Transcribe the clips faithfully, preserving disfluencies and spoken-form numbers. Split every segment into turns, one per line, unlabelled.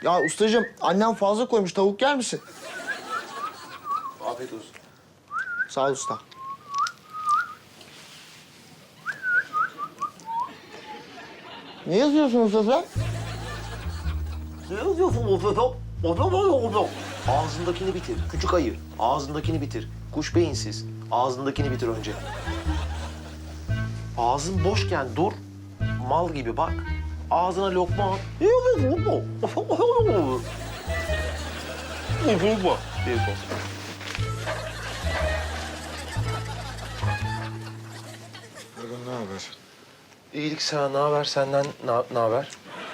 Ya ustacığım, annem fazla koymuş. Tavuk yer misin?
Afiyet olsun.
Sağ ol usta. Ne yazıyorsun usta sen?
Ne yazıyorsun Ofeto? Ofeto, Ofeto. Ağzındakini bitir. Küçük ayı. Ağzındakini bitir. Kuş beyinsiz. Ağzındakini bitir önce. Ağzın boşken dur. Mal gibi bak. Ağzına lokma at. Ne yapıyorsun Ofeto? Ofeto. Ofeto.
Ergun ne haber?
İyilik sana. Ne haber? Senden ne, ne haber?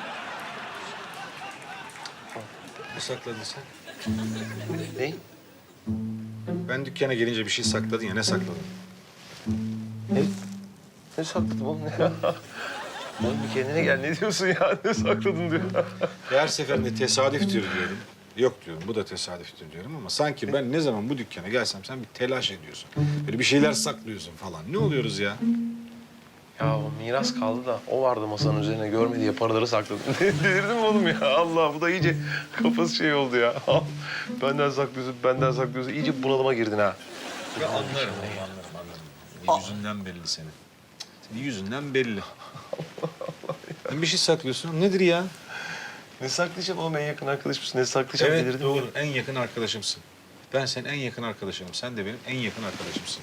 Ne sakladın sen?
Ne?
Ben dükkana gelince bir şey sakladın ya, ne sakladın?
Ne? Ne sakladın oğlum ne ya? Oğlum bir kendine gel. Ne diyorsun ya? Ne sakladın diyor.
Her seferinde tesadüftür diyorum. Yok diyorum, bu da tesadüftür diyorum ama sanki ben ne zaman bu dükkana gelsem sen bir telaş ediyorsun. Böyle bir şeyler saklıyorsun falan. Ne oluyoruz ya?
Ya o miras kaldı da o vardı masanın üzerine görmedi diye paraları sakladım. Delirdim mi oğlum ya? Allah bu da iyice kafası şey oldu ya. Benden saklıyorsun, benden saklıyorsun. İyice bunalıma girdin ha.
Ya anlarım, anlarım, anlarım. Yüzünden belli senin. Senin yüzünden belli. Bir şey saklıyorsun. Nedir ya?
Ne saklayacağım oğlum en yakın arkadaş mısın? Ne saklayacağım
Evet
delirdim
doğru.
ya.
En yakın arkadaşımsın. Ben senin en yakın arkadaşınım. Sen de benim en yakın arkadaşımsın.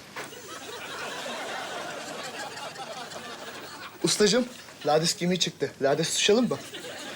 Ustacığım, lades gemiği çıktı. Lades tutuşalım mı?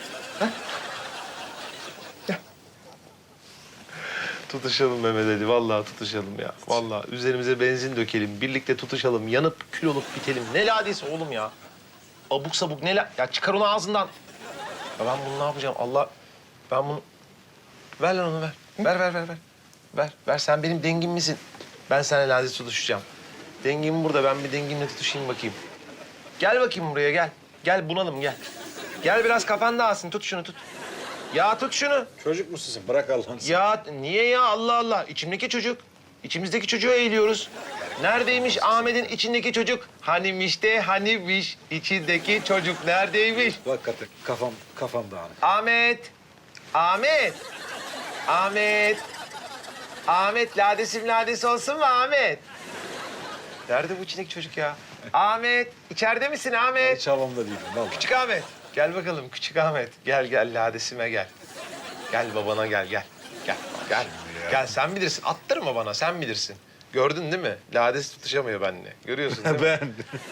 Tutuşalım Mehmet Ali. Vallahi tutuşalım ya. Vallahi üzerimize benzin dökelim. Birlikte tutuşalım. Yanıp kül olup bitelim. Ne ladesi oğlum ya? Abuk sabuk ne la... Ya çıkar onu ağzından. Ya ben bunu ne yapacağım? Allah... Ben bunu... Ver lan onu ver. Ver, ver, ver, ver. Ver, ver. Sen benim dengim misin? Ben seninle lades tutuşacağım. Dengim burada. Ben bir dengimle tutuşayım bakayım. Gel bakayım buraya gel. Gel bunalım gel. Gel biraz kafan dağılsın. Tut şunu tut. Ya tut şunu.
Çocuk musun sen? Bırak Allah'ını sen.
Ya niye ya Allah Allah? İçimdeki çocuk. İçimizdeki çocuğu eğiliyoruz. Neredeymiş Ahmet'in içindeki çocuk? Hanimiş de hanimiş. İçindeki çocuk neredeymiş?
Hakikaten kafam, kafam dağınık.
Ahmet. Ahmet. Ahmet. Ahmet ladesim ladesi olsun mu Ahmet? Nerede bu içindeki çocuk ya? Ahmet. içeride misin Ahmet?
Hiç havamda değilim vallahi.
Küçük Ahmet. Gel bakalım küçük Ahmet. Gel gel ladesime gel. Gel babana gel gel. Gel gel. Gel sen bilirsin. Attırma bana sen bilirsin. Gördün değil mi? Lades tutuşamıyor benimle. Görüyorsun değil mi?
Ben.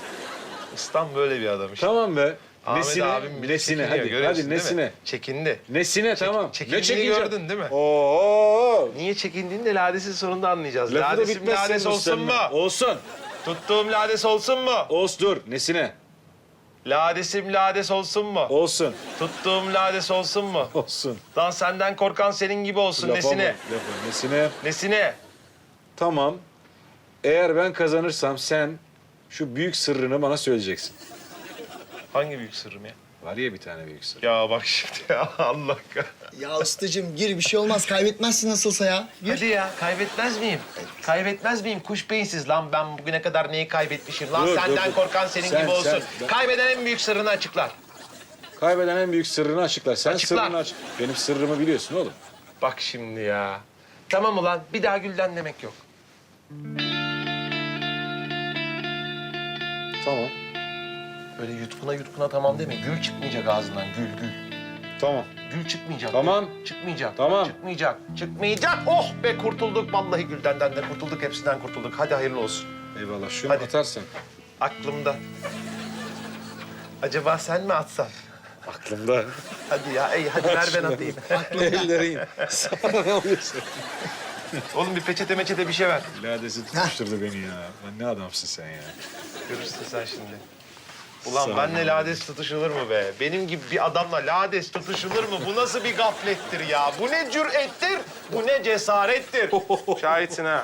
Ustam böyle bir adam işte.
Tamam be.
Ahmet
Nesine?
abim bile
Nesine?
çekiniyor,
Hadi,
görüyorsun
hadi
değil mi?
nesine?
Çekindi.
Nesine tamam.
çekindiğini
çekineceğim?
gördün değil mi?
Oo.
Niye çekindiğini de ladesin sonunda anlayacağız.
Lafı da
Ladesim
bitmez
lades
senin
olsun mu?
ustanın. Olsun.
Tuttuğum lades olsun mu?
Olsun dur. Nesine?
Ladesim lades olsun mu?
Olsun.
Tuttuğum lades olsun mu?
Olsun.
Lan senden korkan senin gibi olsun.
Lafa
Nesine?
bak, lafa. Nesine?
Nesine?
Tamam. Eğer ben kazanırsam sen şu büyük sırrını bana söyleyeceksin.
Hangi büyük sırrım ya?
Var ya bir tane büyük sır.
Ya bak şimdi ya Allah kah-
Ya ustacığım gir, bir şey olmaz. Kaybetmezsin nasılsa ya. Gir.
Hadi ya kaybetmez miyim? Kaybetmez miyim? Kuş beyinsiz lan ben bugüne kadar neyi kaybetmişim? Lan
Dur, dur,
senden
dur.
korkan senin
Sen,
gibi olsun.
sen, ben-
Kaybeden en büyük sırrını açıklar.
Kaybeden en büyük sırrını açıklar. Sen
Açıklar.
sırrını aç. Benim sırrımı biliyorsun oğlum.
Bak şimdi ya. Tamam ulan bir daha gülden demek yok.
Tamam.
Öyle yutkuna yutkuna tamam deme. Gül çıkmayacak ağzından gül gül.
Tamam.
Gül çıkmayacak.
Tamam.
Gül. Çıkmayacak.
Tamam.
Çıkmayacak. Çıkmayacak. Oh be kurtulduk. Vallahi güldenden de kurtulduk. Hepsinden kurtulduk. Hadi hayırlı olsun.
Eyvallah. Şunu
Hadi.
atarsan.
Aklımda. Acaba sen mi atsan?
Aklımda.
Hadi ya, ey hadi ver ben atayım.
Ellerin. Sana ne oluyorsun?
Oğlum bir peçete meçete bir şey ver.
Ladesi tutuşturdu beni ya. Lan ne adamsın sen ya.
Görürsün sen şimdi. Ulan
Sağ ol.
benle lades tutuşulur mu be? Benim gibi bir adamla lades tutuşulur mu? Bu nasıl bir gaflettir ya? Bu ne cürettir? Bu ne cesarettir? Şahitsin ha.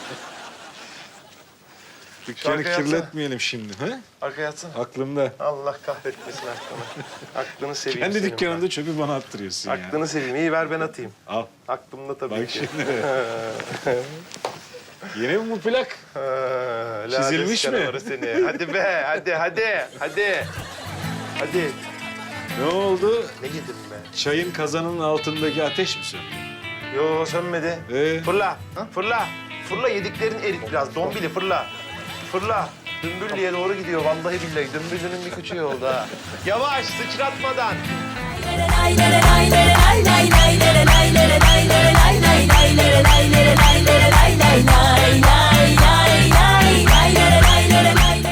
Dükkanı
Şarkı yapsana.
kirletmeyelim şimdi. He?
Arkaya yatsana.
Aklımda.
Allah kahretmesin aklını. Aklını seveyim
Kendi
senin
dükkanında çöpü bana attırıyorsun
ben.
ya.
Aklını seveyim. İyi ver ben atayım.
Al.
Aklımda tabii
Bak
ki.
şimdi. Yeni mi bu plak?
Ha, lades
Çizilmiş mi?
canavarı Seni. Hadi be, hadi, hadi, hadi. Hadi.
Ne oldu?
Ne girdin be?
Çayın kazanının altındaki ateş mi söndü?
Yo sönmedi.
Ee?
Fırla. Ha? Fırla. Fırla yediklerin erit biraz. Dombili fırla. Fırla. Dümbüllü'ye doğru gidiyor vallahi billahi. Dümbüllü'nün bir küçüğü oldu ha. Yavaş sıçratmadan.
Lay lay lay lay lay